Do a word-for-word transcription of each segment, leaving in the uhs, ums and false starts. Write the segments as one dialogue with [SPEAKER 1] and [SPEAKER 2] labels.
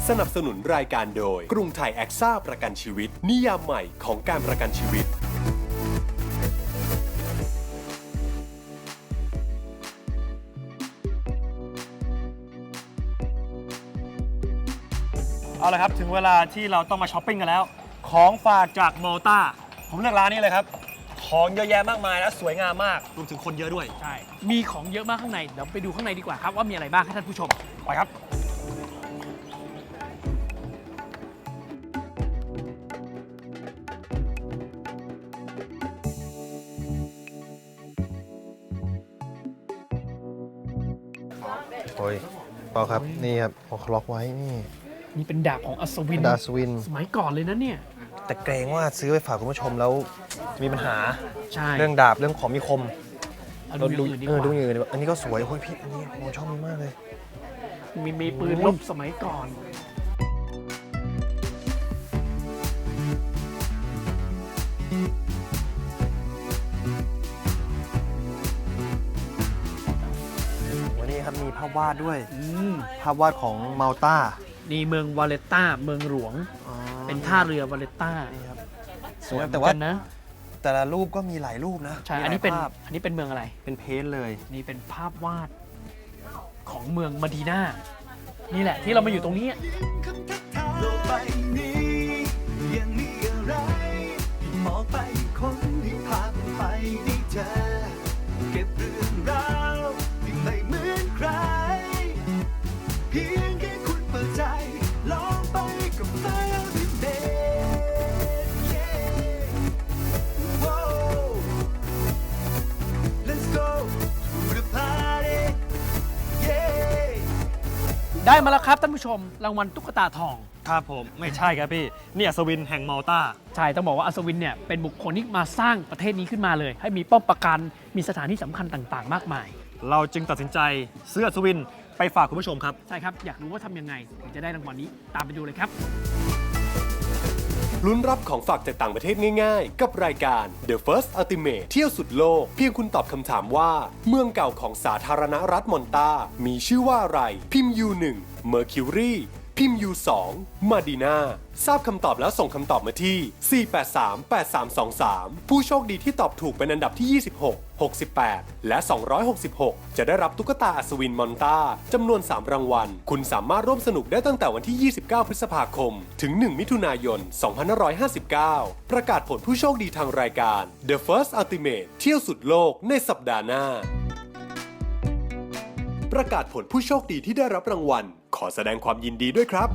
[SPEAKER 1] สนับสนุนรายการโดยกรุงไทยแอคซ่าประกันชีวิตนิยามใหม่ของการประกันชีวิต
[SPEAKER 2] เอาละครับถึงเวลาที่เราต้องมาช้อปปิ้งกันแล้วของฝากจากมอลตาผมเลือกร้านนี้เลยครับของเยอะแยะมากมายและสวยงามมากรวมถึงคนเยอะด้วย
[SPEAKER 3] ใช่มีของเยอะมากข้างในเดี๋ยวไปดูข้างในดีกว่าครับว่ามีอะไรบ้างให้ท่านผู้ชม
[SPEAKER 2] ไปครับ
[SPEAKER 4] โอ้ยเปล่าครับนี่ครับเขาล็อกไว้นี่
[SPEAKER 3] นี่เป็นดาบของอัศวิน
[SPEAKER 4] ดาบอัศวิน
[SPEAKER 3] สมัยก่อนเลยนะเนี่ย
[SPEAKER 4] แต่เกรงว่าซื้อไปฝากคุณผู้ชมแล้วจะมีปัญหา
[SPEAKER 3] ใช่
[SPEAKER 4] เรื่องดาบเรื่องของมีคม
[SPEAKER 3] เราดูอย่างอื่นดีกว่า
[SPEAKER 4] เออดูอย่างอื่นอันนี้ก็สวยโอ้ยพี่อันนี้ผมชอบมันมากเลย
[SPEAKER 3] มีมีปืนลบสมัยก่อน
[SPEAKER 4] วันนี้ครับมีภาพวาดด้วย
[SPEAKER 3] อืม
[SPEAKER 4] ภาพวาดของมัลตา
[SPEAKER 3] นี่เมืองวาเลต้าเมืองหลวงเป็นท่าเรือวาเลต้า
[SPEAKER 4] นี่ครับ
[SPEAKER 3] สวย
[SPEAKER 4] แต่ว่า
[SPEAKER 3] นะ
[SPEAKER 4] แต่ละรูปก็มีหลายรูปนะ
[SPEAKER 3] ใช่อันนี้เป็นอันนี้เป็นเมืองอะไร
[SPEAKER 4] เป็นเพนเลย
[SPEAKER 3] นี่เป็นภาพวาดของเมืองมะดีนานี่แหละที่เรามาอยู่ตรงนี้
[SPEAKER 5] โลกใบนี้ยังมีอะไรมองไปคนที่พาไปได้เจอเก็บเรื่องราวที่ไม่เหมือนใครเพียงแค่คุณเปิดใจลองไปกับไฟดิเมLet's go to the party yeah
[SPEAKER 3] ได้มาแล้วครับท่านผู้ชมรางวัลตุ๊กตาทอง
[SPEAKER 2] ครับผมไม่ใช่ครับพี่นี่อัศวินแห่งมอลตา
[SPEAKER 3] ใช่ต้องบอกว่าอัศวินเนี่ยเป็นบุคคลที่มาสร้างประเทศนี้ขึ้นมาเลยให้มีป้อมปราการมีสถานที่สำคัญต่างๆมากมาย
[SPEAKER 2] เราจึงตัดสินใจซื้ออัศวินไปฝากคุณผู้ชมครับ
[SPEAKER 3] ใช่ครับอยากรู้ว่าทำยังไงถึงจะได้รางวัลนี้ตามไปดูเลยครับ
[SPEAKER 1] ลุ้นรับของฝากจากต่างประเทศง่ายๆกับรายการ The First Ultimate เที่ยวสุดโลกเพียงคุณตอบคำถามว่าเมืองเก่าของสาธารณรัฐมอนตามีชื่อว่าอะไรพิมพ์ ยู หนึ่ง Mercury พิมพ์ ยู สอง Madina ทราบคำตอบแล้วส่งคำตอบมาที่ สี่ แปด สาม แปด สาม สอง สาม ผู้โชคดีที่ตอบถูกเป็นอันดับที่ ยี่สิบหก หกสิบแปด และ สองร้อยหกสิบหก จะได้รับตุ๊กตาอัศวินมอนตาจำนวน สาม รางวัลคุณสามารถร่วมสนุกได้ตั้งแต่วันที่ ยี่สิบเก้า พฤษภาคม ถึง หนึ่ง มิถุนายน สองพันห้าร้อยห้าสิบเก้า ประกาศผลผู้โชคดีทางรายการ The First Ultimate เที่ยวสุดโลกในสัปดาห์หน้าประกาศผลผู้โชคดีที่ได้รับรางวัลขอแสดงความยินดีด้วยครับ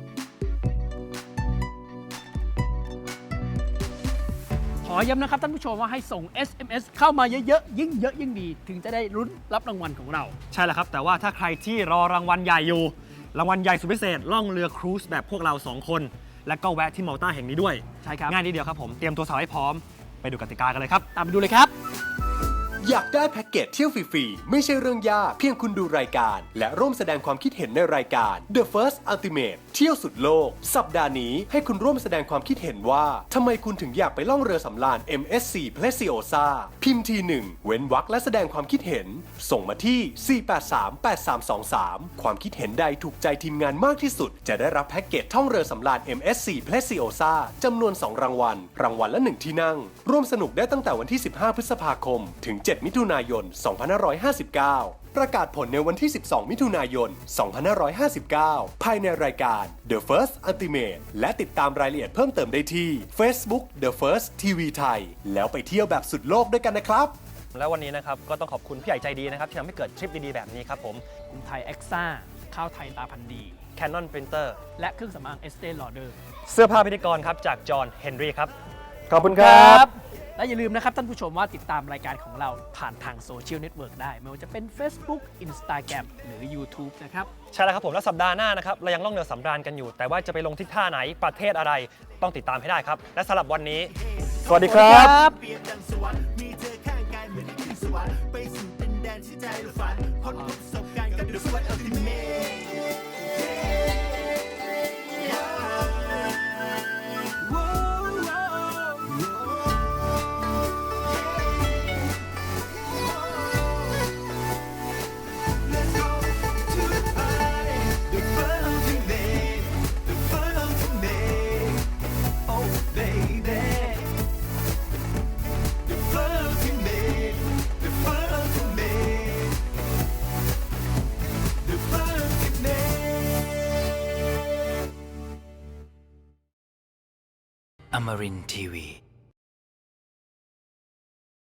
[SPEAKER 3] ขอย้ำนะครับท่านผู้ชมว่าให้ส่ง เอส เอ็ม เอส เข้ามาเยอะๆยิ่งเยอะยิ่งดีถึงจะได้ลุ้นรับรางวัลของเรา
[SPEAKER 2] ใช่แล้วครับแต่ว่าถ้าใครที่รอรางวัลใหญ่อยู่รางวัลใหญ่สุดพิเศษล่องเรือครูซแบบพวกเราสองคนและก็แวะที่มอลตาแห่งนี้ด้วย
[SPEAKER 3] ใช่ครับ
[SPEAKER 2] ง่ายนิดเดียวครับผมเตรียมตัวสาวให้พร้อมไปดูกติกากันเลยครับ
[SPEAKER 3] ตามไปดูเลยครับ
[SPEAKER 1] อยากได้แพ็กเกจเที่ยวฟรีๆไม่ใช่เรื่องยากเพียงคุณดูรายการและร่วมแสดงความคิดเห็นในรายการ The First Ultimate เที่ยวสุดโลกสัปดาห์นี้ให้คุณร่วมแสดงความคิดเห็นว่าทำไมคุณถึงอยากไปล่องเรือสำราญ เอ็ม เอส ซี Preciosa พิมพ์ทีหนึ่งเว้นวรรคและแสดงความคิดเห็นส่งมาที่ สี่ แปด สาม แปด สาม สอง สาม ความคิดเห็นใดถูกใจทีมงานมากที่สุดจะได้รับแพ็กเกจท่องเรือสำราญ เอ็ม เอส ซี Preciosa จำนวนสองรางวัลรางวัลละหนึ่งที่นั่งร่วมสนุกได้ตั้งแต่วันที่สิบห้าพฤษภาคมถึงเจ็ดมิถุนายนสองพันห้าร้อยห้าสิบเก้า ประกาศผลในวันที่สิบสองมิถุนายนสองพันห้าร้อยห้าสิบเก้าภายในรายการ The First Ultimate และติดตามรายละเอียดเพิ่มเติมได้ที่ Facebook The First ที วี ไทยแล้วไปเที่ยวแบบสุดโลกด้วยกันนะครับ
[SPEAKER 2] แล้ววันนี้นะครับก็ต้องขอบคุณพี่ใหญ่ใจดีนะครับที่ทำให้เกิดทริปดีๆแบบนี้ครับผม
[SPEAKER 3] กรุงไทยแอคซ่าข้าวไทยตาพันธุ์ดี
[SPEAKER 2] Canon Printer
[SPEAKER 3] และเครื่องสำอาง Estée Lauder
[SPEAKER 2] เสื้อผ้าพิธีกรครับจากจอห์นเฮนรี่ครับ
[SPEAKER 4] ขอบคุณครับ
[SPEAKER 3] และอย่าลืมนะครับท่านผู้ชมว่าติดตามรายการของเราผ่านทางโซเชียลเน็ตเวิร์กได้ไม่ว่าจะเป็น Facebook Instagram หรือ YouTube นะครับ
[SPEAKER 2] ใช่แล้วครับผมแล้วสัปดาห์หน้านะครับเรายังล่องเรือสำราญกันอยู่แต่ว่าจะไปลงที่ท่าไหนประเทศอะไรต้องติดตามให้ได้ครับและสำหรับวันนี้
[SPEAKER 4] สวัสดีครับ
[SPEAKER 5] มีเธอข้างกายเหมือนได้ขึ้นสวรรค์ไปสู่ดินแดนที่ใจเราฝันพบประสบการณ์กับ The First Ultimate
[SPEAKER 6] Amarin Tiwi.